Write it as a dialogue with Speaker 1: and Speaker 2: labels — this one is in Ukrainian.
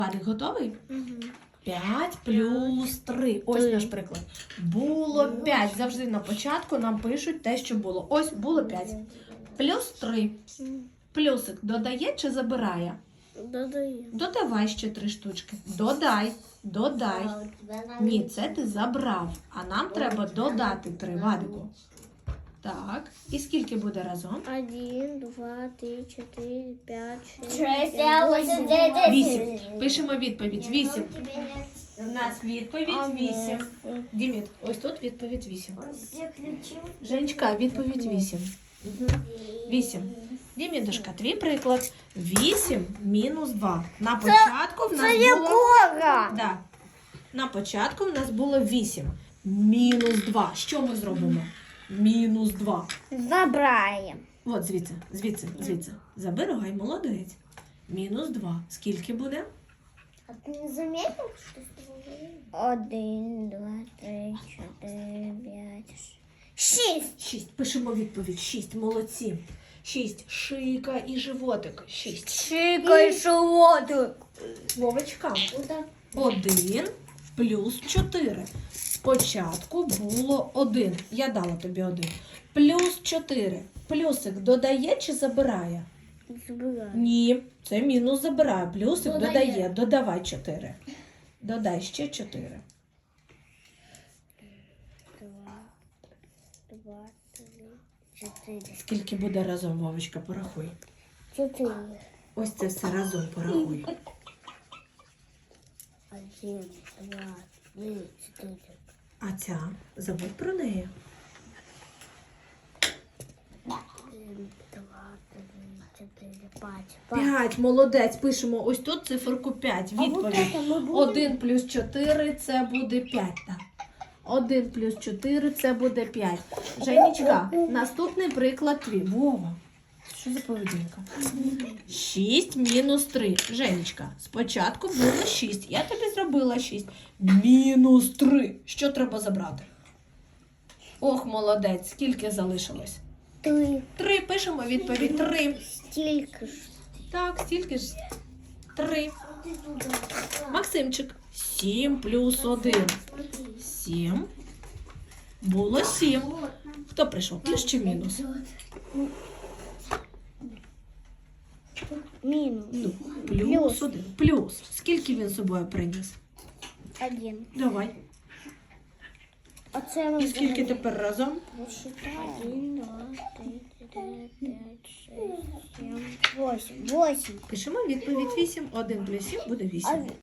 Speaker 1: Вадик, готовий? 5 плюс 3. Ось наш приклад. Було 5. Завжди на початку нам пишуть те, що було. Ось було 5. Плюс 3. Плюсик додає чи забирає?
Speaker 2: Додаю.
Speaker 1: Додавай ще 3 штучки. Додай. Додай. Ні, це ти забрав. А нам треба додати 3, Вадику. Так. І скільки буде разом?
Speaker 2: 1, 2, 3, 4, 5, 6,
Speaker 3: 6,
Speaker 2: 7,
Speaker 1: 8. Пишемо відповідь. 8. У нас відповідь 8. Діміт, ось тут відповідь 8. Женечка, відповідь 8. 8. Дімідушка, твій приклад. 8 мінус 2. На початку в нас було... Да. На початку в нас було 8. Мінус 2. Що ми зробимо? Мінус 2.
Speaker 2: Забираємо.
Speaker 1: От звідси. Забирай, молодець. Мінус 2. Скільки буде?
Speaker 3: А ты не заметил, что с тобой?
Speaker 2: 1, 2, 3, 4, 5, 6.
Speaker 1: 6. Пишемо відповідь. 6. Молодці. 6. Шийка і животик. 6.
Speaker 2: Шикай шовотик.
Speaker 1: Вовочка. 1 плюс 4. Спочатку було 1. Я дала тобі 1. Плюс 4. Плюсик додає чи забирає?
Speaker 2: Забираю.
Speaker 1: Ні, це мінус забирає. Плюсик додає. Додавай 4. Додай ще 4.
Speaker 2: 2, 3, 4.
Speaker 1: Скільки буде разом, Вовочка, порахуй.
Speaker 2: 4.
Speaker 1: Ось це все разом порахуй.
Speaker 2: 1, 2, 3, 4.
Speaker 1: А ця? Забудь про неї.
Speaker 2: 1, 2, 3, 4, 5.
Speaker 1: 5. Молодець. Пишемо ось тут циферку 5. Відповідь. 1 плюс 4 це буде 5. Так. 1 плюс 4 це буде 5. Женечка, наступний приклад твій. Вова. Що за поведінка? 6 мінус 3. Женечка, спочатку було 6. Я тобі зробила 6. Мінус 3. Що треба забрати? Ох, молодець. Скільки залишилось?
Speaker 2: 3.
Speaker 1: 3. Пишемо відповідь. 3.
Speaker 2: Стільки ж.
Speaker 1: Так, стільки ж. 3. Максимчик. 7 плюс 1. 7. Було 7. Хто прийшов? Плюс чи мінус?
Speaker 2: Мінус.
Speaker 1: Ну, плюс 1. Плюс. Скільки він з собою приніс?
Speaker 2: 1.
Speaker 1: Давай.
Speaker 2: А це ми
Speaker 1: І скільки тепер разом?
Speaker 2: 1, 2, 3, 4, 5, 6, 7, 8. 8.
Speaker 1: Пишемо відповідь 8. 1 плюс 7 буде 8.